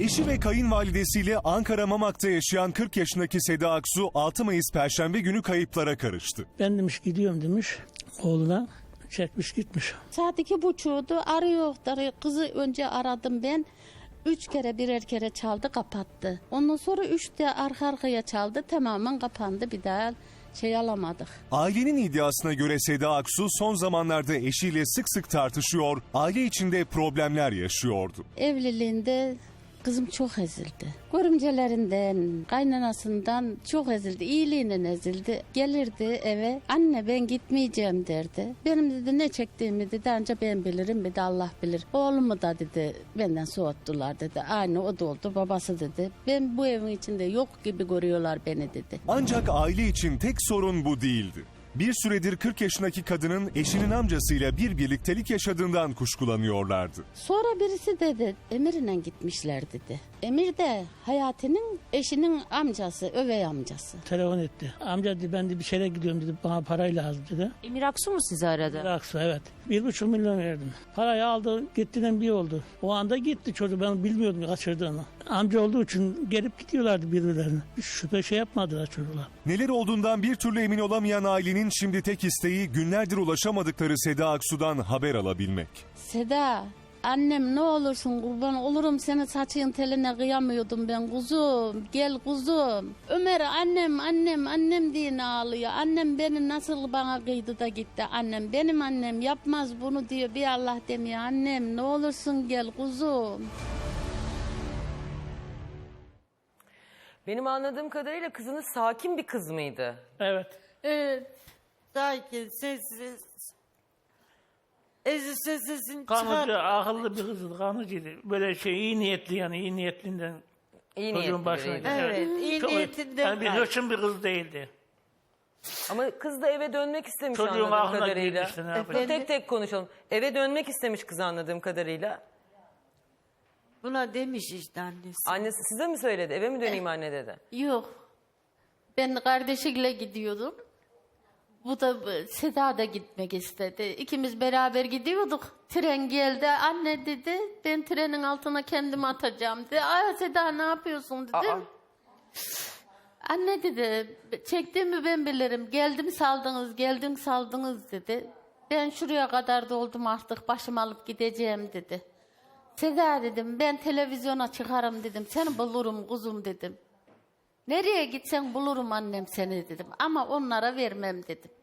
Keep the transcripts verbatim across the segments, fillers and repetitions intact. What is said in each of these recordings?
Eşi ve kayınvalidesiyle Ankara Mamak'ta yaşayan kırk yaşındaki Seda Aksu altı Mayıs Perşembe günü kayıplara karıştı. Ben demiş gidiyorum demiş oğluna, çekmiş gitmiş. Saat iki buçuğdu, arıyor. arıyor. Kızı önce aradım ben. Üç kere birer kere çaldı, kapattı. Ondan sonra üçte arka arkaya çaldı, tamamen kapandı, bir daha şey alamadık. Ailenin iddiasına göre Seda Aksu son zamanlarda eşiyle sık sık tartışıyor, aile içinde problemler yaşıyordu. Evliliğinde kızım çok ezildi. Görümcelerinden, kaynanasından çok ezildi. İyiliğinden ezildi. Gelirdi eve, anne ben gitmeyeceğim derdi. Benim dedi ne çektiğimi dedi ancak ben bilirim, bir de Allah bilir. Oğlumu da dedi benden soğuttular dedi. Aynı o da oldu, babası dedi. Ben bu evin içinde yok gibi görüyorlar beni dedi. Ancak aile için tek sorun bu değildi. Bir süredir kırk yaşındaki kadının eşinin amcasıyla bir birliktelik yaşadığından kuşkulanıyorlardı. Sonra birisi dedi Emir'le gitmişler dedi. Emir de Hayati'nin eşinin amcası, övey amcası. Telefon etti. Amca dedi ben de bir şeyle gidiyorum dedi, bana parayı lazım dedi. Emir Aksu mu sizi aradı? Aksu evet. Bir buçuk milyon verdim. Parayı aldı, gittiğinden bir oldu. O anda gitti çocuk, ben bilmiyordum kaçırdığını. Amca olduğu için gelip gidiyorlardı birbirlerine. Hiç şüphe şey yapmadılar çocuklar. Neler olduğundan bir türlü emin olamayan ailenin şimdi tek isteği günlerdir ulaşamadıkları Seda Aksu'dan haber alabilmek. Seda, annem ne olursun kurban olurum, senin saçın teline kıyamıyordum ben kuzum. Gel kuzum. Ömer annem annem annem diye ağlıyor. Annem beni nasıl bana kıydı da gitti annem. Benim annem yapmaz bunu diyor, bir Allah demiyor. Annem ne olursun gel kuzum. Benim anladığım kadarıyla kızınız sakin bir kız mıydı? Evet. Evet. Sakin, sessiz. Ezi sesini Kanıcı, çıkar. akıllı bir kızdı, kanıcıydı. Böyle şey iyi niyetli yani iyi niyetlinden. İyi Çocuğun niyetli başına. biriydi. Evet, iyi Çok- niyetinden. Yani bir hırçın bir kız değildi. Ama kız da eve dönmek istemiş Çocuğun anladığım aklına kadarıyla. girmişti, ne Dur yapacak? tek tek konuşalım. Eve dönmek istemiş kız anladığım kadarıyla. Buna demiş işte annesi. Annesi size mi söyledi? Eve mi döneyim anne dedi. Yok. Ben kardeşiyle gidiyordum. Bu da Seda da gitmek istedi. İkimiz beraber gidiyorduk. Tren geldi. Anne dedi ben trenin altına kendimi atacağım dedi. Aa Seda ne yapıyorsun dedim. Aa. Anne dedi çektiğimi ben bilirim. Geldim saldınız geldim saldınız dedi. Ben şuraya kadar doldum artık başımı alıp gideceğim dedi. Seda dedim ben televizyona çıkarım dedim. Seni bulurum kuzum dedim. Nereye gitsen bulurum annem seni dedim. Ama onlara vermem dedim.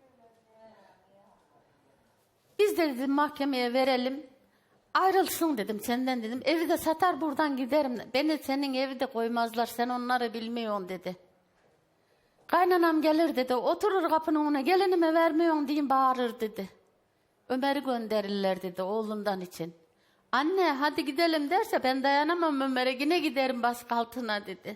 Biz de dedim mahkemeye verelim. Ayrılsın dedim senden dedim. Evi de satar buradan giderim. Beni senin evi de koymazlar. Sen onları bilmiyorsun dedi. Kaynanam gelir dedi. Oturur kapının önüne gelinime vermiyorsun diyeyim bağırır dedi. Ömer'i gönderirler dedi oğlundan için. Anne hadi gidelim derse ben dayanamam Ömer'e yine giderim baskı altına dedi.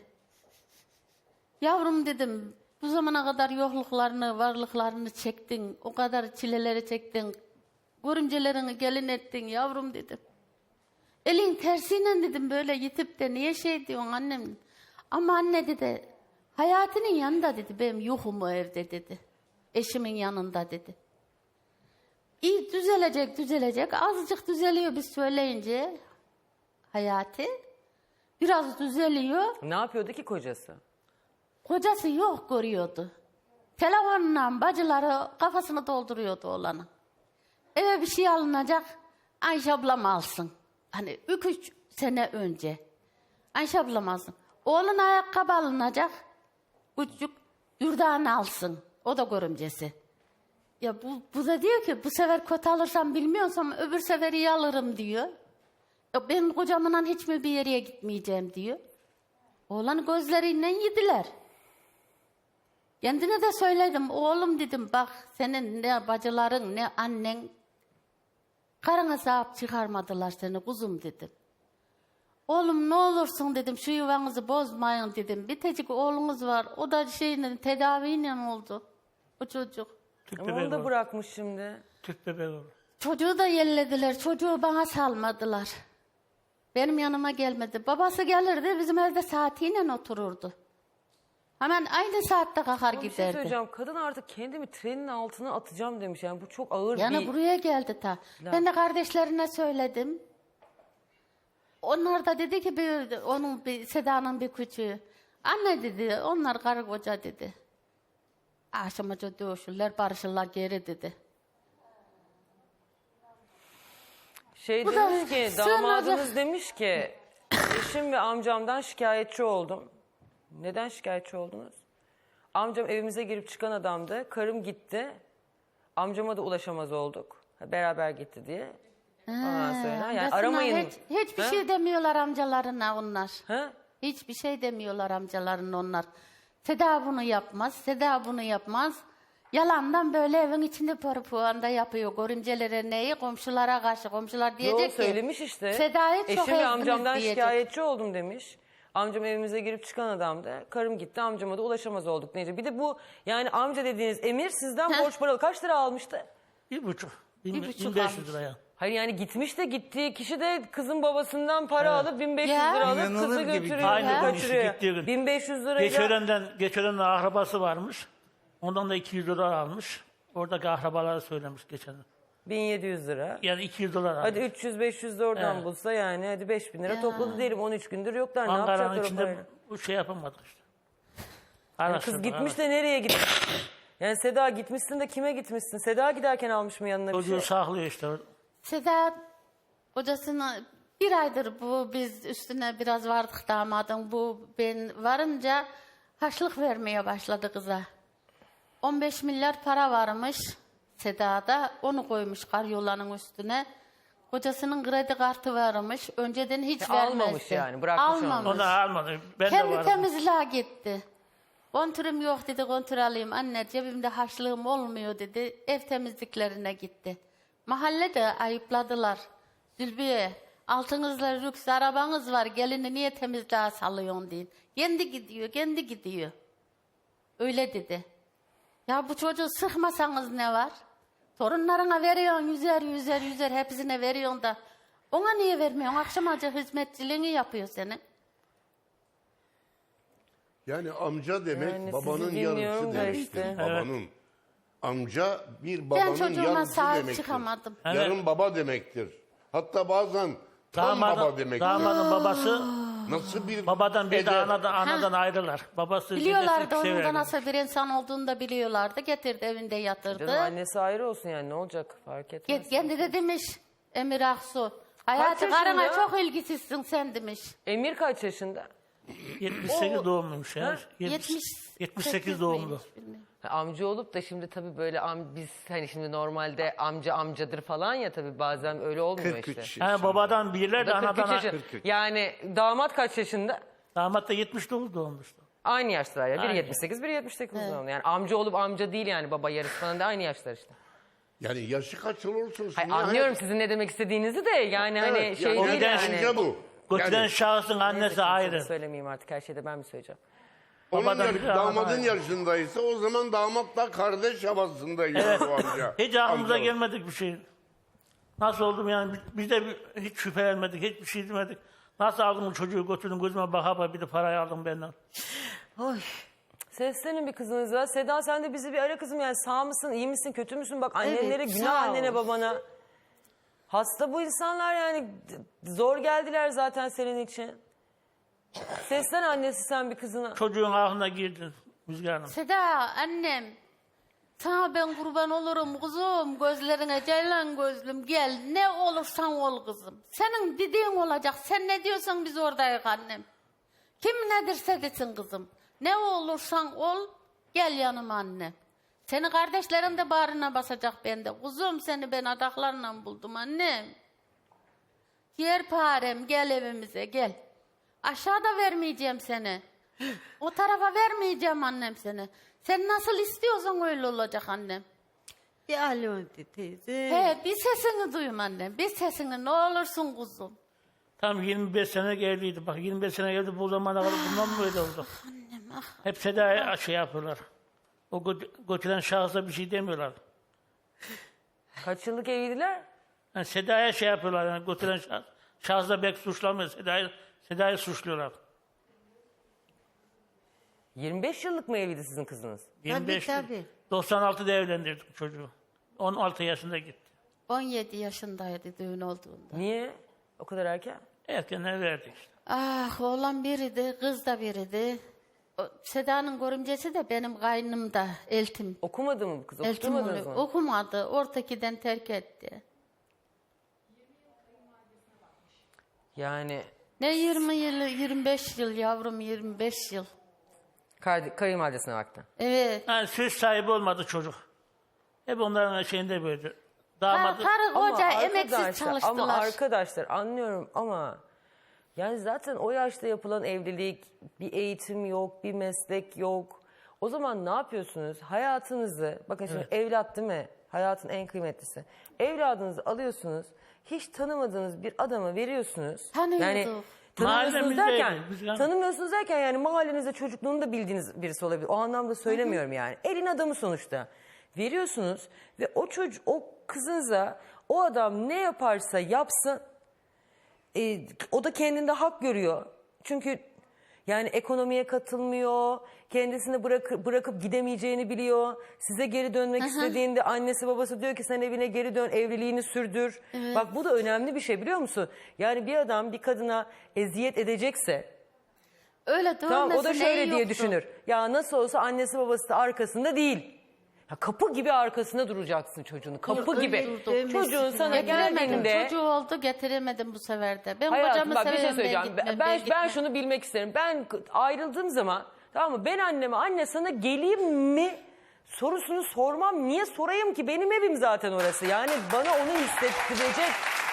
Yavrum dedim bu zamana kadar yokluklarını, varlıklarını çektin. O kadar çileleri çektin. Görümcelerini gelin ettin yavrum dedim. Elin tersiyle dedim böyle yitip de niye şey diyorsun annem. Ama anne dedi Hayati'nin yanında dedi benim yokum o evde dedi. Eşimin yanında dedi. İyi düzelecek düzelecek azıcık düzeliyor biz söyleyince Hayati. Biraz düzeliyor. Ne yapıyordu ki kocası? Kocası yok görüyordu. Telefonla bacıları kafasını dolduruyordu oğlanın. Eve bir şey alınacak. Ayşe ablam alsın. Hani üç, üç sene önce. Ayşe ablam alsın. Oğlun ayakkabı alınacak. Küçük Yurdan alsın. O da görümcesi. Ya bu, bu da diyor ki bu sefer kötü alırsam bilmiyorsam öbür sefer iyi alırım diyor. Ya ben kocamla hiç mi bir yere gitmeyeceğim diyor. Oğlan gözleriyle yediler. Kendine de söyledim. Oğlum dedim bak senin ne bacıların ne annen karına sahip çıkarmadılar seni kuzum dedim. Oğlum ne olursun dedim şu yuvanızı bozmayın dedim. Bir tecik oğlunuz var o da şeyle tedaviyle oldu o çocuk. Tüp Ama bebeği onu da olur. bırakmış şimdi. Tüp bebeği olur. Çocuğu da yellediler. Çocuğu bana salmadılar. Benim yanıma gelmedi. Babası gelirdi bizim evde saatiyle otururdu. Hemen aynı saatte kalkar Ama bir şey giderdi. söyleyeceğim. Kadın artık kendimi trenin altına atacağım demiş. Yani bu çok ağır Yani bir... buraya geldi ta. Ben de kardeşlerine söyledim. onlar da dedi ki bir, onun bir, Seda'nın bir küçüğü. Anne dedi, onlar karı koca dedi. Akşamaca dövüşürler, barışırlar geri dedi. Şey Bu da demiş ki, sığınacak. damadınız demiş ki, eşim ve amcamdan şikayetçi oldum. Neden şikayetçi oldunuz? Amcam evimize girip çıkan adamdı. Karım gitti. Amcama da ulaşamaz olduk. Beraber gitti diye. Ondan sonra yani Resmen aramayın. Hiç, hiçbir Ha? şey demiyorlar amcalarına onlar. Ha? Hiçbir şey demiyorlar amcaların onlar. Seda bunu yapmaz, Seda bunu yapmaz. Yalandan böyle evin içinde parpuanda yapıyor. Görümcelere neyi? Komşulara karşı. Komşular Yo, diyecek ki. söylemiş işte. Seda'yı çok Eşim ve ezdiniz amcamdan diyecek. şikayetçi oldum demiş. Amcam evimize girip çıkan adamdı. Karım gitti, amcama da ulaşamaz olduk. Neyse. Bir de bu yani amca dediğiniz Emir sizden Heh. borç paralı kaç lira almıştı? Bir buçuk. Bin, Bir buçuk bin beş almış. yüz liraya. Hayır yani gitmiş de gittiği kişi de kızın babasından para alıp bin beş yüz Ya. lira alıp İnanılır kızı gibi götürüyor. Aynı ya. gün Kaçırıyor. gittiği gün. bin beş yüz lirayla. Geçören'den, Geçören'den akrabası varmış. Ondan da iki yüz dolar almış. Oradaki akrabalara söylemiş geçen. bin yedi yüz lira. Yani iki yüz dolar almış. Hadi üç yüz beş yüz de oradan Evet. bulsa yani hadi beş bin lira Ya. topladı diyelim on üç gündür yoklar. Ne Ankara'nın yapacaklar o içinde parayla? bu şey yapamadık işte. Yani Araştırdık, kız gitmiş araştırdık. de nereye gitmiş? Yani Seda gitmişsin de kime gitmişsin? Seda giderken almış mı yanına bir Çocuğu şey? saklıyor işte. Seda kocasına bir aydır bu biz üstüne biraz vardık damadın. Bu ben varınca harçlık vermeye başladı kıza. on beş milyar para varmış Seda'da. Onu koymuş karyolanın üstüne. Kocasının kredi kartı varmış. Önceden hiç E, vermezdi. almamış yani, bırakmış onu. Onu da almadı. Ben de Kendi varım. temizliğe gitti. Kontürüm yok dedi, kontür alayım. Anne cebimde harçlığım olmuyor dedi. Ev temizliklerine gitti. Mahallede ayıpladılar. Zülbiye, altınızla lüks arabanız var, gelini niye temizliğe salıyorsun deyin. Kendi gidiyor, kendi gidiyor. Öyle dedi. Ya bu çocuğu sıkmasanız ne var? Torunlarına veriyorsun yüzer yüzer yüzer hepsine veriyorsun da. Ona niye vermiyorsun? Akşam acı hizmetçiliğini yapıyor senin. Yani amca demek Yani sizi babanın dinliyorum yarısı da demektir. işte. Babanın. Amca bir Ben babanın çocuğuma yarısı sahip demektir. çıkamadım. Yarım baba demektir. Hatta bazen tam baba Damadın, demektir. damadın babası Nasıl bir babadan bir de eder? anadan, anadan ayrılar. Babası Biliyorlardı dedesi onun da severdi. nasıl bir insan olduğunu da biliyorlardı. Getirdi evinde yatırdı. Canım annesi ayrı olsun yani ne olacak fark etmez. Get, kendi de demiş Emir Aksu. Hayatı yaşında? karına çok ilgisizsin sen demiş. Emir kaç yaşında? yetmiş sekiz doğumluymuş ya. yetmiş yetmiş sekiz doğumlu. miymiş, bilmiyorum. Ha, amca olup da şimdi tabii böyle am, biz hani şimdi normalde amca amcadır falan ya tabii bazen öyle olmuyor kırk üç işte. Ha, babadan birler O de da kırk üç anadan. yaşı- kırk üç. Yani damat kaç yaşında? Damat da yetmiş dokuz doğmuştu. Aynı yaşlar ya. Biri Aynı. yetmiş sekiz, biri yetmiş sekiz doğumlu. Yani amca olup amca değil yani baba yarısı falan da aynı yaşlar işte. Yani yaşı kaç olursa olsun. Hayır, yani- anlıyorum sizin ne demek istediğinizi de yani hani Evet, şey yani değil amca yani. bu. Götüren Yani şahsın annesi Neyse, ayrı. söylemeyeyim artık her şeyde ben mi söyleyeceğim? onun babadan yaş- biri, anadan damadın ayrı. yaşındaysa o zaman damatla kardeş havasındaydı bu amca. Hiç aklımıza Amca. gelmedik bir şey. Nasıl oldum yani biz de bir- hiç şüphelenmedik, hiçbir şey demedik. Nasıl aldım bu çocuğu götürdüm gözüme baka baka bir de parayı aldım benden. Seslenin bir kızınıza. Seda sen de bizi bir ara kızım yani sağ mısın, iyi misin, kötü müsün? Bak annelere Evet, günah sağ ol. annene babana. Hasta bu insanlar yani d- zor geldiler zaten senin için. Seslen annesi sen bir kızına. Çocuğun aklına girdi Müzgar Hanım. Seda annem. Sana ben kurban olurum kızım. Gözlerine ceylan gözlüm. Gel ne olursan ol kızım. Senin dediğin olacak. Sen ne diyorsan biz oradayız annem. Kim ne derse desin kızım. Ne olursan ol. Gel yanıma annem. Seni kardeşlerin de bağrına basacak bende. Kuzum seni ben adaklarla buldum annem. Yerparem gel evimize gel. Aşağıda vermeyeceğim seni. O tarafa vermeyeceğim annem seni. Sen nasıl istiyorsan öyle olacak annem. Bir alo de teyze. He bir sesini duyum annem. Bir sesini ne olursun kuzum. Tam yirmi beş sene evliydi. Bak yirmi beş sene evli bu zamana kadar bundan mı böyle oldu? Hep Seda'ya şey yapıyorlar. O gö- götüren şahsa bir şey demiyorlar. Kaç yıllık evliydiler? Yani Seda'ya şey yapıyorlar yani götüren şahs. Şahsa belki suçlamıyor. Seda'yı Seda'yı suçluyorlar. yirmi beş yıllık mı evliydi sizin kızınız? yirmi beş tabii. doksan altıda evlendirdik çocuğu. on altı yaşında gitti. on yedi yaşındaydı düğün olduğunda. Niye? O kadar erken. Erkenden verdik işte. Ah oğlan biriydi, kız da biriydi. O, Seda'nın görümcesi de benim kaynımda, eltim. Okumadı mı bu kız? Eltim Okutmadınız oluyor. mı? Okumadı, ortakiden terk etti. Yani Ne yirmi yıl, yirmi beş yıl yavrum, yirmi beş yıl. kay- kayınvalidesine baktı. Evet. Yani söz sahibi olmadı çocuk. Hep onların şeyinde böyle. Ha, Damadı. karı koca Ama emeksiz arkadaşlar, çalıştılar. Ama arkadaşlar anlıyorum ama yani zaten o yaşta yapılan evlilik, bir eğitim yok, bir meslek yok. O zaman ne yapıyorsunuz? Hayatınızı, bakın şimdi evlat değil mi? Hayatın en kıymetlisi. Evladınızı alıyorsunuz, hiç tanımadığınız bir adama veriyorsunuz. Tanıyorduk. Yani tanımıyorsunuz Mahallemizdeydi, derken, biz yani- tanımıyorsunuz derken yani mahallenizde çocukluğunu da bildiğiniz birisi olabilir. O anlamda söylemiyorum yani. Elin adamı sonuçta. Veriyorsunuz ve o çocuk, o kızınıza o adam ne yaparsa yapsın e, o da kendinde hak görüyor. Çünkü yani ekonomiye katılmıyor, kendisini bırak, bırakıp gidemeyeceğini biliyor. Size geri dönmek istediğinde annesi babası diyor ki sen evine geri dön, evliliğini sürdür. Bak bu da önemli bir şey biliyor musun? Yani bir adam bir kadına eziyet edecekse Öyle tamam, o da dövmesi şöyle neyi diye yoktu? düşünür. Ya nasıl olsa annesi babası da arkasında değil. Ya kapı gibi arkasında duracaksın çocuğunu. Kapı Yok, gibi. öyle dövmesi Çocuğun sana Getiremedim. geldiğinde... Çocuğu oldu getiremedim bu sefer de. Ben Hayatım kocamı bak bir şey severim, söyleyeceğim. ben gitmem, Ben, ben, gitmem. şunu bilmek isterim. Ben ayrıldığım zaman tamam mı ben anneme anne sana geleyim mi sorusunu sormam. Niye sorayım ki? Benim evim zaten orası. Yani bana onu hissettirecek.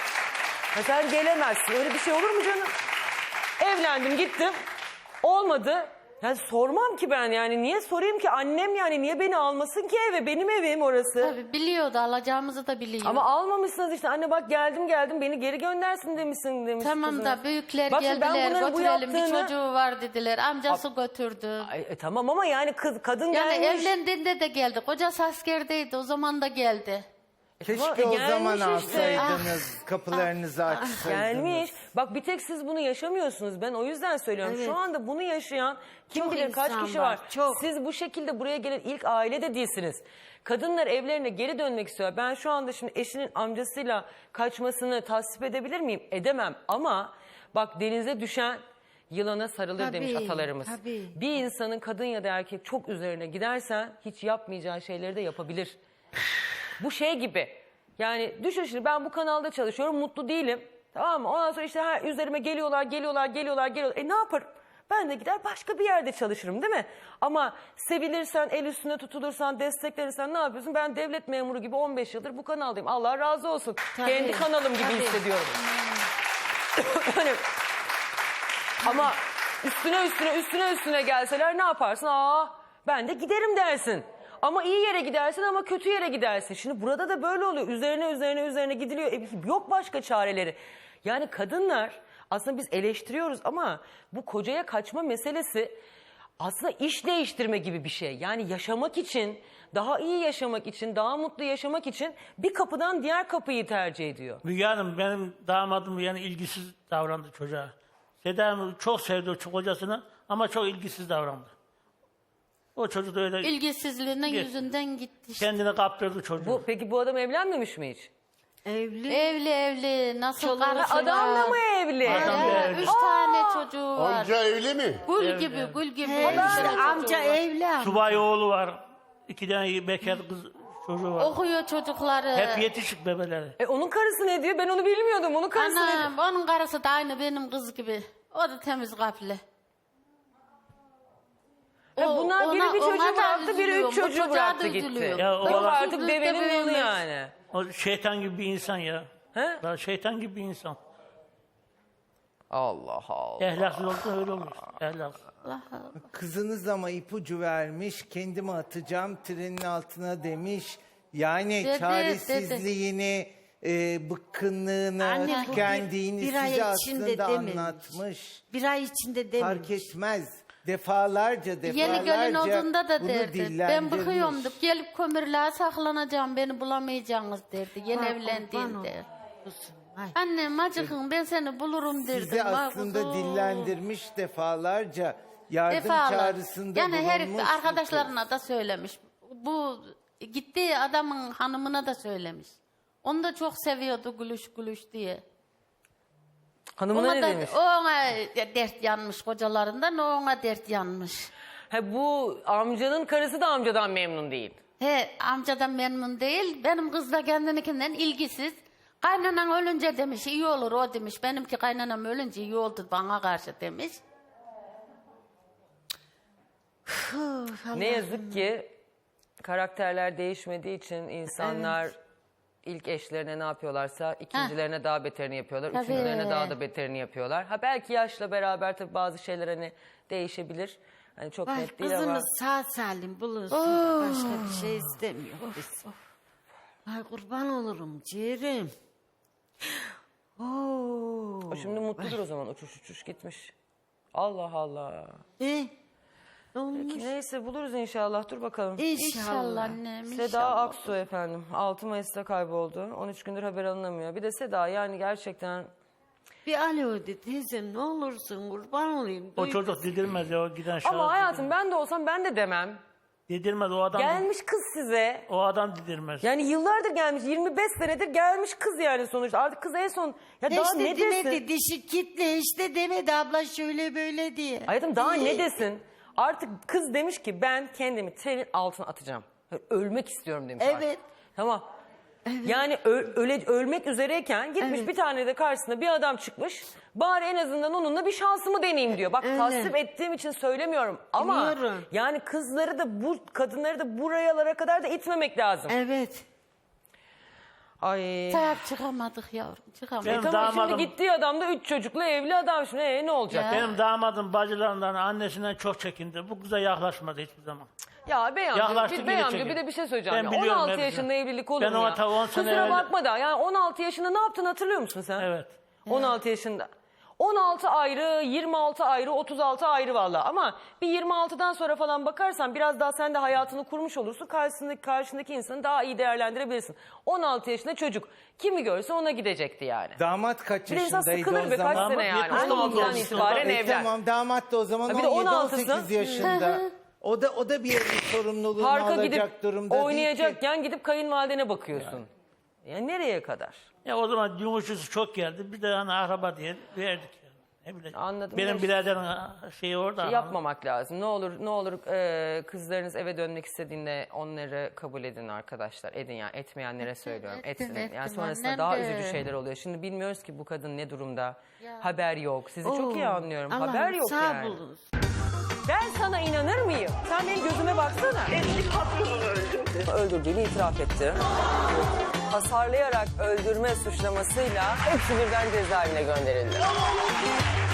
Ha, sen gelemezsin. Öyle bir şey olur mu canım? Evlendim gittim. Olmadı. Yani sormam ki ben yani. Niye sorayım ki? Annem yani niye beni almasın ki eve? Benim evim orası. Tabii biliyordu, alacağımızı da biliyor. Ama almamışsınız işte. Anne bak geldim geldim beni geri göndersin demişsin demiş Tamam kızına. da büyükler Bak şimdi ben geldiler, bunların bu götürelim, bir yaptığını- çocuğu var dediler. Amcası götürdü. Ay, e, tamam ama yani kız, kadın Yani gelmiş. evlendiğinde de geldi. Kocası askerdeydi, o zaman da geldi. Keşke E, o gelmiş zaman işte. alsaydınız, kapılarınızı açsaydınız. Gelmiş. Bak bir tek siz bunu yaşamıyorsunuz. Ben o yüzden söylüyorum. Evet. Şu anda bunu yaşayan kim Çok bilir kaç insan kişi var, var. çok. Siz bu şekilde buraya gelen ilk aile de değilsiniz. Kadınlar evlerine geri dönmek istiyor. Ben şu anda şimdi eşinin amcasıyla kaçmasını tasvip edebilir miyim? Edemem. Ama bak denize düşen yılana sarılır Tabii, demiş atalarımız. tabii. Bir insanın kadın ya da erkek çok üzerine gidersen hiç yapmayacağı şeyleri de yapabilir. Bu şey gibi. Yani düşün şimdi ben bu kanalda çalışıyorum, mutlu değilim. Tamam mı? Ondan sonra işte her üzerime geliyorlar, geliyorlar, geliyorlar, geliyorlar. E ne yaparım? Ben de gider başka bir yerde çalışırım değil mi? Ama sevilirsen, el üstüne tutulursan, desteklenirsen ne yapıyorsun? Ben devlet memuru gibi on beş yıldır bu kanaldayım. Allah razı olsun. Tabii, Kendi kanalım gibi tabii. hissediyorum. Hani, ama üstüne üstüne üstüne üstüne gelseler ne yaparsın? Aa ben de giderim dersin. Ama iyi yere gidersin ama kötü yere gidersin. Şimdi burada da böyle oluyor. Üzerine üzerine üzerine gidiliyor. E, yok başka çareleri. Yani kadınlar aslında biz eleştiriyoruz ama bu kocaya kaçma meselesi aslında iş değiştirme gibi bir şey. Yani yaşamak için, daha iyi yaşamak için, daha mutlu yaşamak için bir kapıdan diğer kapıyı tercih ediyor. Müge Hanım benim damadım yani ilgisiz davrandı çocuğa. Seda Hanım çok sevdi o kocasını ama çok ilgisiz davrandı. O çocuk da öyle İlgisizliğinin Git. yüzünden gitti işte. kendini kaptırdı çocuğu. Bu, peki bu adam evlenmemiş mi hiç? Evli. Evli evli, nasıl Çoluğu- karısı Adam da var. mı evli? Adam Ya, da evli. üç tane çocuğu var. Amca evli mi? Gül Evli, gibi, evli. gül gibi. He, üç tane işte çocuğu amca var. evli ama. Subay oğlu var. İki tane bekar kız çocuğu var. Okuyor çocukları. Hep yetişik bebeleri. E onun karısı ne diyor? Ben onu bilmiyordum. Onun karısı ne diyor? Anam, onun karısı da aynı benim kız gibi. O da temiz kalpli. E O- bunlar biri ona- bir ona çocuğu da bıraktı, biri üzülüyorum. üç Bu çocuğu çocuğa da bıraktı gitti. üzülüyorum. Ya o Yok adam- artık devenin yolu büyümüş. yani. O şeytan gibi bir insan ya. He? Daha şeytan gibi bir insan. Allah Allah. Ehlaksız olsa öyle olur. Ehlaksız. Kızınız ama ipucu vermiş, kendimi atacağım trenin altına demiş. Yani Dedi, çaresizliğini, e, bıkkınlığını, Anne, bu bir- tükendiğini bir ay size içinde aslında dememiş. anlatmış. Bir ay içinde dememiş. Fark etmez. Defalarca defalarca Yeni gelin olduğunda da bunu derdi. Ben dillendirmiş. bıkıyordum. Gelip kömürlüğe saklanacağım. Beni bulamayacaksınız derdi. Yeni Ha, evlendiğinde. kurban olsun. Ay. Annem acıkın ben seni bulurum derdim. Sizi Bak aslında kuzum. dillendirmiş defalarca. Yardım Defalar. çağrısında Yani her bulunmuş bu kız. arkadaşlarına da söylemiş. Bu gittiği adamın hanımına da söylemiş. Onu da çok seviyordu gülüş gülüş diye. Hanımına Ona ne da, demiş? o ona dert yanmış kocalarından, o ona dert yanmış. Ha, bu amcanın karısı da amcadan memnun değil. He, amcadan memnun değil. Benim kız da kendininkinden ilgisiz. Kaynanan ölünce demiş iyi olur o demiş. Benimki kaynanam ölünce iyi oldu bana karşı demiş. Ne yazık ki karakterler değişmediği için insanlar ilk eşlerine ne yapıyorlarsa ikincilerine daha beterini yapıyorlar. Tabii. Üçüncülerine daha da beterini yapıyorlar. Ha belki yaşla beraber tabii bazı şeyler hani değişebilir. Hani çok Ay, net değil ama. kızımız sağ salim bulunsun. Başka bir şey istemiyoruz biz. Ay kurban olurum ciğerim. Oo. O şimdi mutludur o zaman, uçuş uçuş gitmiş. Allah Allah. E, ne olmuş? Neyse buluruz inşallah, dur bakalım. İnşallah İnşallah. annem Seda inşallah. Aksu efendim altı Mayıs'ta kayboldu. on üç gündür haber alınamıyor. Bir de Seda yani gerçekten Bir alo de teyzem ne olursun kurban olayım. O Duy- çocuk dedirmez ya o giden şahıs. ama hayatım ben de olsam ben de demem. Dedirmez o adam. Gelmiş kız size. O adam dedirmez. Yani yıllardır gelmiş, yirmi beş senedir gelmiş kız yani sonuçta. Artık kız en son ya daha işte ne desin? demedi dişi kitle işte demedi abla şöyle böyle diye. Hayatım daha ne desin? Artık kız demiş ki ben kendimi trenin altına atacağım. Ölmek istiyorum demiş artık. Evet. Tamam. Yani ö- öle, ölmek üzereyken gitmiş bir tane de karşısına bir adam çıkmış. Bari en azından onunla bir şansımı deneyeyim diyor. Bak Evet. tasvip ettiğim için söylemiyorum. Ama Biliyorum. yani kızları da bu kadınları da buralara kadar da itmemek lazım. Evet. Ay. Sahip çıkamadık yavrum çıkamadık. Benim Tamam damadım- şimdi gittiği adam da üç çocuklu evli adam. Şimdi ee, ne olacak? Ya. Benim damadım bacılarından, annesinden çok çekindi. Bu kıza yaklaşmadı hiçbir zaman. Ya bey amca, Yaklaştı, bir, geri bey amca çekildi. bir de bir şey söyleyeceğim. Ben ya. biliyorum on altı hepsini. yaşında evlilik olur Ben mu o ya? hata on sene Kusura evli- bakma da yani on altı yaşında ne yaptın hatırlıyor musun sen? Evet. on altı yaşında. on altı ayrı, yirmi altı ayrı, otuz altı ayrı valla. Ama bir yirmi altıdan sonra falan bakarsan biraz daha sen de hayatını kurmuş olursun. Karşısındaki, karşındaki insanı daha iyi değerlendirebilirsin. on altı yaşında çocuk. Kimi görse ona gidecekti yani. Damat kaç Bir de insan yaşındaydı sıkılır o be kaç zaman? sene yani. yetmiş on altıdan olmuş. itibaren E, evlen. tamam damat da o zaman Ha, bir de on yedi on on sekiz altısı. yaşında. O da o da bir yerin sorumluluğunu Parka alacak gidip durumda değil ki. oynayacakken gidip kayınvalidene bakıyorsun. Yani nereye kadar? Ya o zaman yumuşusu çok geldi. Bir de hani araba diye verdik. Yani. Ne bileyim. Anladım. Benim Ya- biraderin şeyi orada. Yapmamak lazım. Ne olur ne olur e, kızlarınız eve dönmek istediğinde onları kabul edin arkadaşlar. Edin yani etmeyenlere söylüyorum. ettim, Etsin. Yani ettim. sonrasında Annem daha de. üzücü şeyler oluyor. Şimdi bilmiyoruz ki bu kadın ne durumda. Ya. Haber yok. Sizi çok iyi Oo, anlıyorum. Allah'ım Haber yok sağ yani. bulunsun. Ben sana inanır mıyım? Sen benim gözüme baksana. Eski patronunu öldürdü. Öldürdüğünü itiraf etti. Hasarlayarak öldürme suçlamasıyla hepsi birden cezaevine gönderildi.